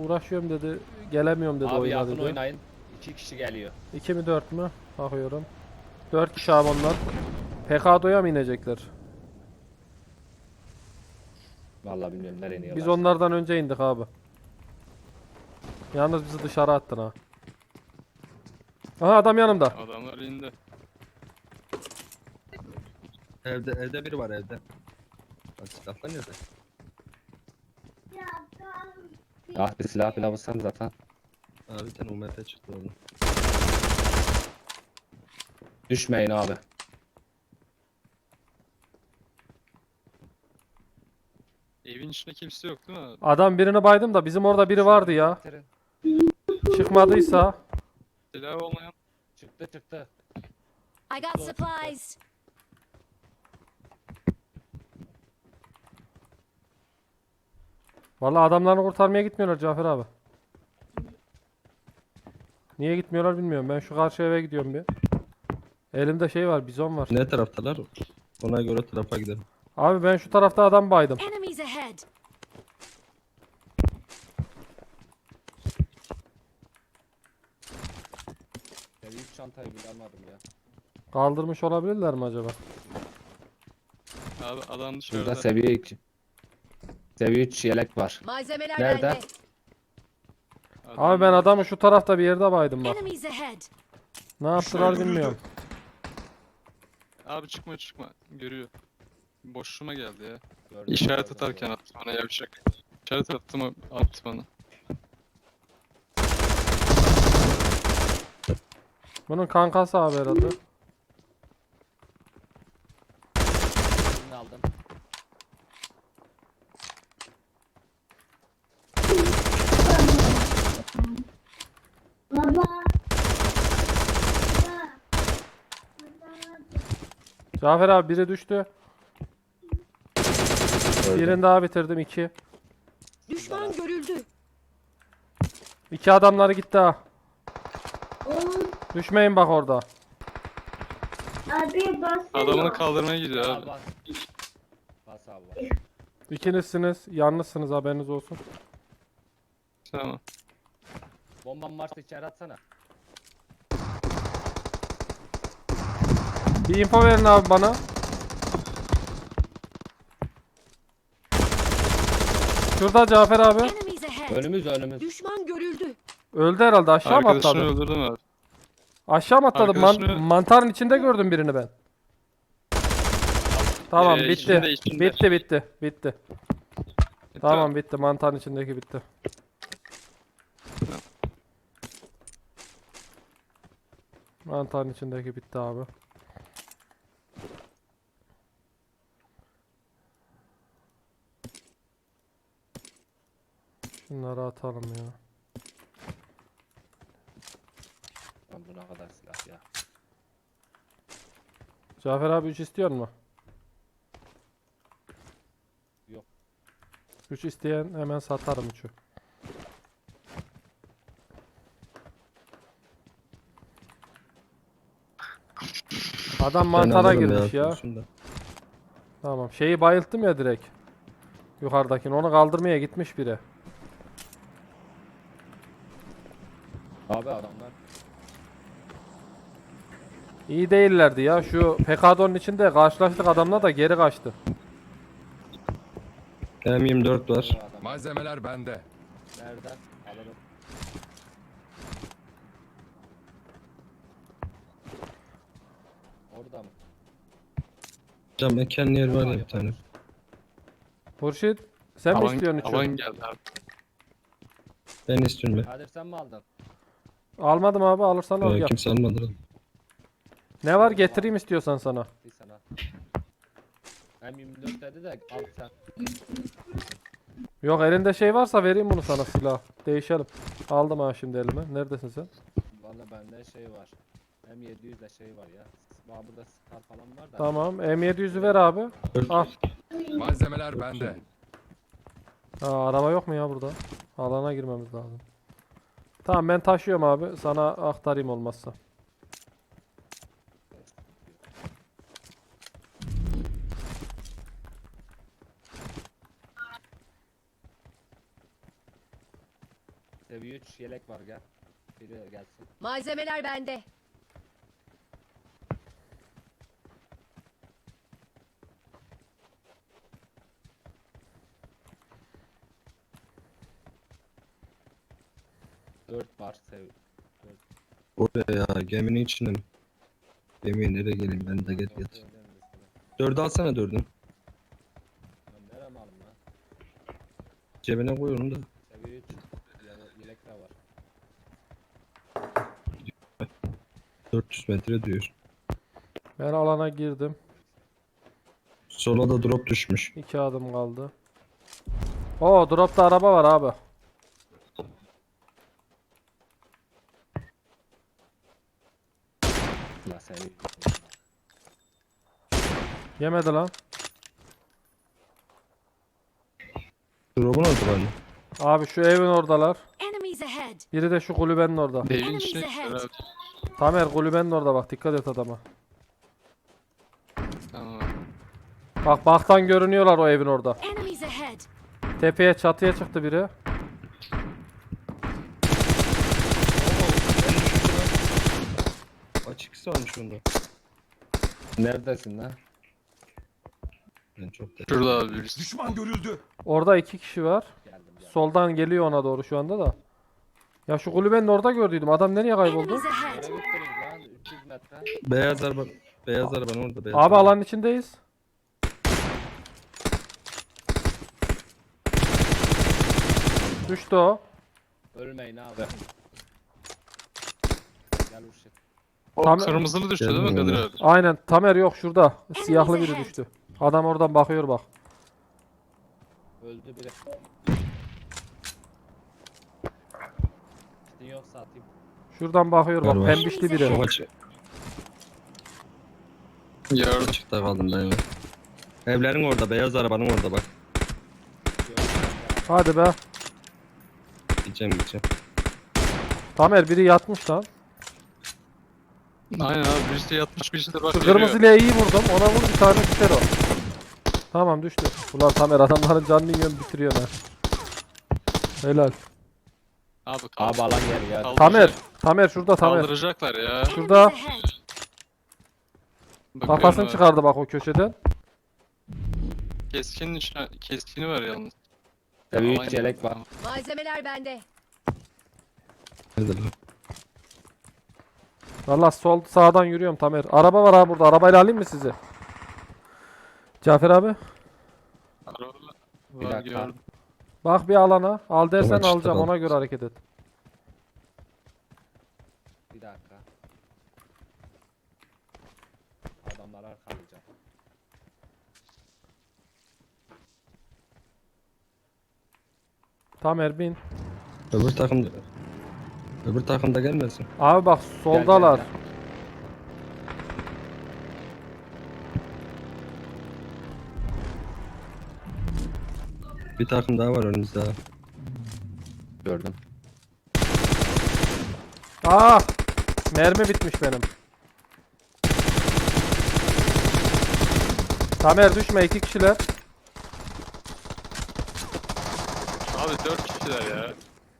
uğraşıyorum dedi. Gelemiyorum dedi Abi oyuna yakın dedi. oynayın. 2 kişi geliyor. 2 mi 4 mü? Bakıyorum. 4 kişi abi onlar. PKD'ya mı inecekler? Vallahi bilmiyorum nereye iniyorlar. Biz onlardan önce indik abi. Yalnız bizi dışarı attın ha. Aha adam yanımda. Adamlar indi. Evde biri var evde. Bak silahlar nerede? Ah bir silah bile bulsam zaten. Abi bir tane UMP çıktı orada. Düşmeyin abi. Evin içinde kimse yok değil mi? Adam birini baydım da bizim orada biri vardı ya. Bitirin. Çıkmadıysa. Silah olmayan. Çıktı çıktı. I got supplies. Vallahi adamlarını kurtarmaya gitmiyorlar Cafer abi. Niye gitmiyorlar bilmiyorum. Ben şu karşı eve gidiyorum bir. Elimde şey var, bizon var. Ne taraftalar? Ona göre tarafa gidelim. Abi ben şu tarafta adam baydım. Enemies ahead. Ya büyük çantayı bile almadım ya. Kaldırmış olabilirler mi acaba? Abi adam Burada dışarıda. seviye 2. Seviye 3 yelek var. Malzemeler Nerede? bende. Abi ben adamı şu tarafta bir yerde baydım bak. Enemies ahead. Ne yaptılar bilmiyorum. Abi çıkma. Görüyor. Boşluğuma geldi ya. Gördüm, İşaret gördüm, atarken gördüm. attı bana yavşak. İşaret attım attı bana. Bunun kankası abi herhalde. Birini aldım. Cafer abi biri düştü. Birini daha bitirdim 2. Düşman görüldü. 2 adamları gitti ha. Düşmeyin bak orada. Abi bas. Adamını kaldırmaya gidiyor Al abi. bas. Bas abi bas. İkinizsiniz. Yalnızsınız haberiniz olsun. Tamam. Bombam varsa içeri atsana. Bir info verin abi bana. Şurada Cafer abi. Enemies ahead. Önümüz. Düşman görüldü. Öldü herhalde, aşağı mı Arkadaşını atladı? öldürdüm abi. Aşağı mı atladı? Arkadaşını- Mantarın içinde gördüm birini ben. Tamam bitti. içinde. Bitti. Tamam bitti. Mantarın içindeki bitti. Mantarın içindeki bitti abi. Şunları atalım ya. Lan bu ne kadar silah ya. Cafer abi 3 istiyor mu? Yok. 3 isteyen hemen satarım 3'ü. Adam mantara Ben alırım girmiş ya. şunu da. Tamam. Şeyi bayılttım ya direkt. Yukarıdakini. Onu kaldırmaya gitmiş biri. Abi adamlar. İyi değillerdi ya. Şu PKD'nın içinde karşılaştık adamla da geri kaçtı. M24 var. Bu adam. Malzemeler bende. Nereden? Alalım. Orada mı? Cam mekan yer var ya bir tane. Hurşit sen mi istiyorsun Alan 3'ü? geldi abi. Ben istiyorum ben. Kadir sen mi aldın? Almadım abi, alırsan al gel. Kimse almadı lan. Ne var getireyim istiyorsan sana. Bir sana. Hem 24 dedi de al sen. Yok elinde şey varsa vereyim bunu sana, silah. Değişelim. Aldım ha şimdi elime. Neredesin sen? Valla bende şey var. Hem 700 de şey var ya. Bana burada star falan var da. Tamam. M700'ü ver abi. Al. Malzemeler bende. Ha, araba yok mu ya burada? Alana girmemiz lazım. Tamam ben taşıyorum abi. Sana aktarayım olmazsa. Seviye 3 yelek var gel. Biri gelsin. Malzemeler bende. Dört var sev. Oraya ya geminin içinde mi? Gemiye nereye geleyim ben de get get. Dördü alsana dördü. Ben nereye malım lan? Cebine koy onu da. Seviye 3 yelek de var. 400 metre diyor. Ben alana girdim. Sola da drop düşmüş. 2 adım kaldı. Oo, dropta araba var abi. La seviye. Yemedi lan. Drop'un orada bana. Abi şu evin oradalar. Enemies ahead. Biri de şu kulübenin orada. Evin Enemies içine ahead. gittiler abi. Tamer kulübenin orada bak, dikkat et adama. Tamam. Bak baktan görünüyorlar o evin orada. Enemies ahead. Tepeye çatıya çıktı biri. Açık varmış onda. Neredesin lan? Ben çok da. Şurada abi birisi. Düşman görüldü. Orada 2 kişi var. Geldim. Soldan geliyor ona doğru şu anda da. Ya şu kulübenin orada gördüydüm. Adam nereye kayboldu? Enemies ahead. Nereye gittiniz lan? 300 metre. Beyaz arabanın orada. Beyaz Abi araba. alanın içindeyiz. Düştü o. Ölmeyin abi. Gel Urşit. O Tam- kırmızılı düştü değil mi Geldim Kadir abi. abi? Aynen. Tamer yok şurada. Siyahlı biri ahead. düştü. Adam oradan bakıyor bak. Öldü biri. Kitin yoksa atayım. Şuradan bakıyor bak. Var, var. Pembişli biri. Çok açık. Yardım. Açıkta kaldım ben ya. Evlerin orada. Beyaz arabanın orada bak. Hadi be. Gideceğim. Tamer biri yatmış lan. Aynen abi birisi yatmış birisi de bak Şu geliyor. kırmızıyla iyi vurdum. Ona vur bir tane düşer o. Tamam düştü. Ulan Tamer adamların canını yiyorsun bitiriyorsun ha. Helal. Abi, Abi alan geri geldi. Tamer. Tamer şurada Tamer. Kaldıracaklar ya. Şurada. Enemies ahead. Bakıyorum Kafasını abi. çıkardı bak o köşeden. Keskinin içine keskini var yalnız. Seviye Alan 3 yelek var. Malzemeler bende. Nerede lan? Valla sol sağdan yürüyorum Tamer. Araba var abi burada. Arabayla alayım mı sizi? Cafer abi. Araba Bir var dakika. gördüm. Bak bir alana. Al dersen Tamam, çıktı alacağım. lan. Ona göre hareket et. Bir dakika. Adamlar arkalayacak. Tamer bin. Öbür takımda gelmesin. Abi bak soldalar. gel. Bir takım daha var önümüzde. ha. Gördüm. Aa! Mermi bitmiş benim. Tamer düşme, 2 kişiler. Abi 4 kişiler ya.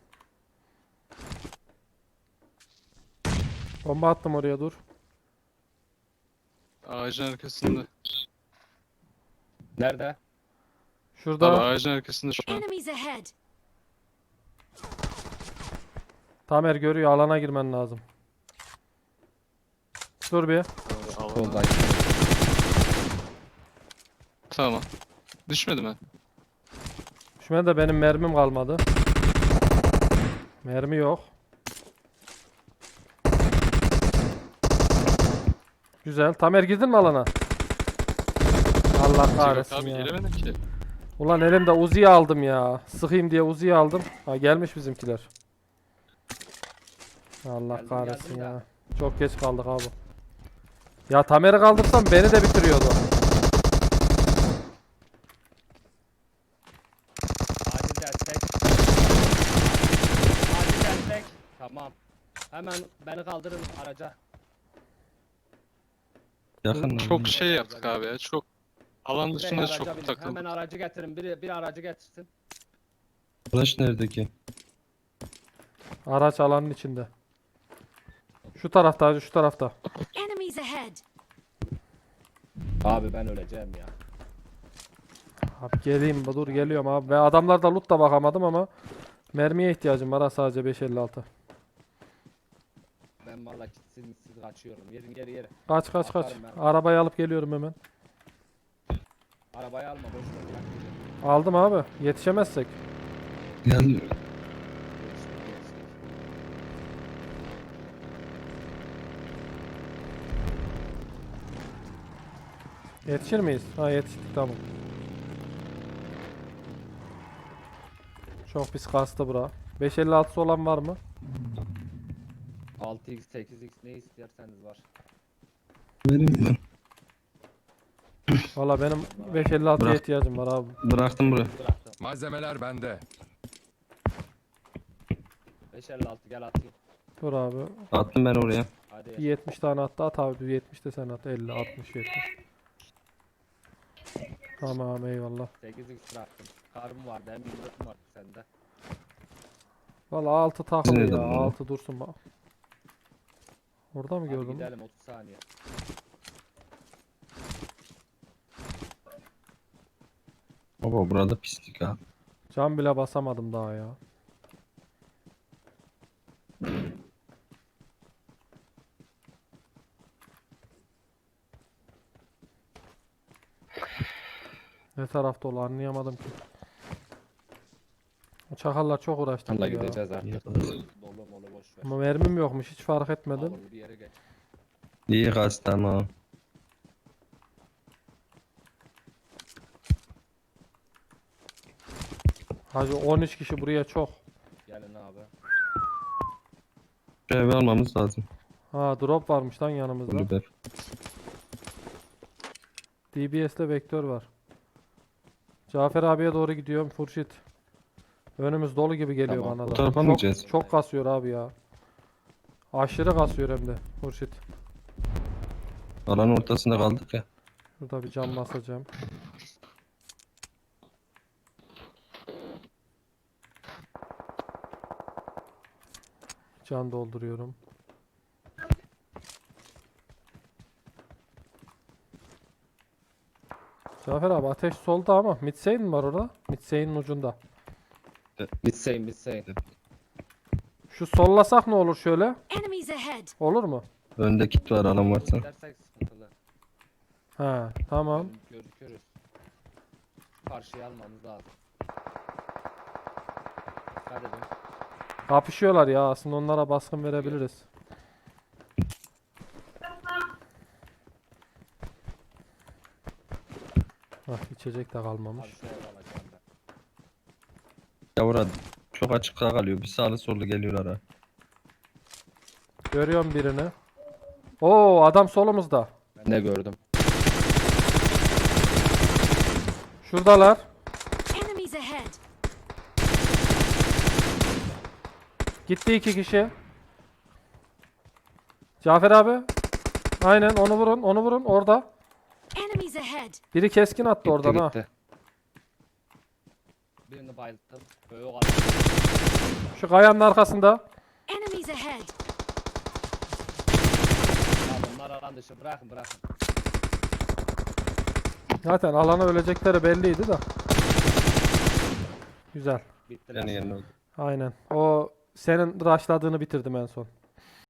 Bomba attım oraya, dur. Ağacın arkasında. Nerede? Abi Şurada. ağacın arkasında şu an. Enemies ahead. Tamer görüyor, alana girmen lazım. Dur bir. Solda. Tamam. Düşmedi mi? Düşmedi de benim mermim kalmadı. Mermi yok. Güzel. Tamer girdin mi alana? Allah Yok kahretsin abi ya. giremedim ki. Ulan elimde Uzi'yi aldım ya. Sıkayım diye Uzi'yi aldım. Ha gelmiş bizimkiler. Allah Geldim, kahretsin geldim ya. ya. Çok geç kaldık abi. Ya Tamer'i kaldırsam beni de bitiriyordu. Acil destek. Acil destek. Tamam. Hemen beni kaldırın araca. Yakın lan. Çok şey yaptık abi ya. Çok alan Direkt dışında araca çok binin. takıldık. Hemen aracı getirin. Bir aracı getirsin. Flash nerede ki? Araç alanın içinde. Şu tarafta hacı, şu tarafta. Enemies ahead. Abi ben öleceğim ya. Abi geleyim, dur geliyorum abi. Ve adamlarda loot da bakamadım ama mermiye ihtiyacım var ha, sadece 5.56. Ben valla siz kaçıyorum. Yerin yere. Kaç kaç kaç. Atarım ben. Arabayı alıp geliyorum hemen. Arabayı alma boş ver. Bırak gidin. Aldım abi. Yetişemezsek. Yani Geçtik, geçtik. Yetişir miyiz? Ha yetiştik, tamam. Çok pis kastı bura. 5.56'sı olan var mı? 6x 8x ne isterseniz var. vereyim mi? Valla benim 5.56'ya Bırak. ihtiyacım var abi. Bıraktım buraya. Bıraktım. Malzemeler bende. 556 gel atayım. Dur abi. Attım ben oraya. Hadi. Bir 70 tane attı, at abi. Bir 70 de sen at. 50, 60, 70. Tamam eyvallah. 8x bıraktım. Karım vardı hem 24 vardı sende. Valla 6 takılı Nerede ya. bu? 6 dursun bak. Orada mı Hadi gördüm? gidelim 30 saniye. Baba burada pislik ha. Cam bile basamadım daha ya. Ne tarafta ol anlayamadım ki. O çakallar çok uğraştı Valla ya. gideceğiz artık. İyi, Dolu molu boş ver. Ama mermim yokmuş, hiç fark etmedim. Olur bir yere geç. İyi gaz tamam. Hacı 13 kişi buraya çok. Gelin abi. Şu evi almamız lazım. Ha drop varmış lan yanımızda. Kulüber. DBS'de vektör var. Cafer abiye doğru gidiyorum Furşit. Önümüz dolu gibi geliyor Tamam. bana Bu da. tarafa mı gideceğiz? Çok kasıyor abi ya. Aşırı kasıyor hem de Furşit. Alanın ortasında kaldık ya. Şurada bir cam basacağım. Can dolduruyorum. Cafer abi ateş solda ama Mitsein mi var orada? Mitsein'in ucunda. Bitseyin bitseyin. Şu sollasak ne olur şöyle? Enemies ahead. Olur mu? Önde kit var alan varsa. Gidersek sıkıntılı. Ha tamam. Gözükürüz. Karşıya almamız lazım. Dikkat edin. Kapışıyorlar ya, aslında onlara baskın verebiliriz. Hah, içecek de kalmamış. Abi şu ev alacağım ben. Yavru çok açıkta kalıyor. Bir sağlı sollu geliyorlar ha. Görüyorum birini. Oo adam solumuzda. Ben de gördüm. Şuradalar. Enemies ahead. Gitti 2 kişi. Cafer abi. Aynen onu vurun, onu vurun orada. Enemies ahead. Biri keskin attı Gitti, oradan ha. gitti. Birini bayılttım. Böyle o Şu kayanın arkasında. Enemies ahead. Bunlar alan dışı bırakın bırakın. Zaten alana ölecekleri belliydi de. Güzel. Bittiler. Yani yerine oldu. Aynen. O senin rushladığını bitirdim en son.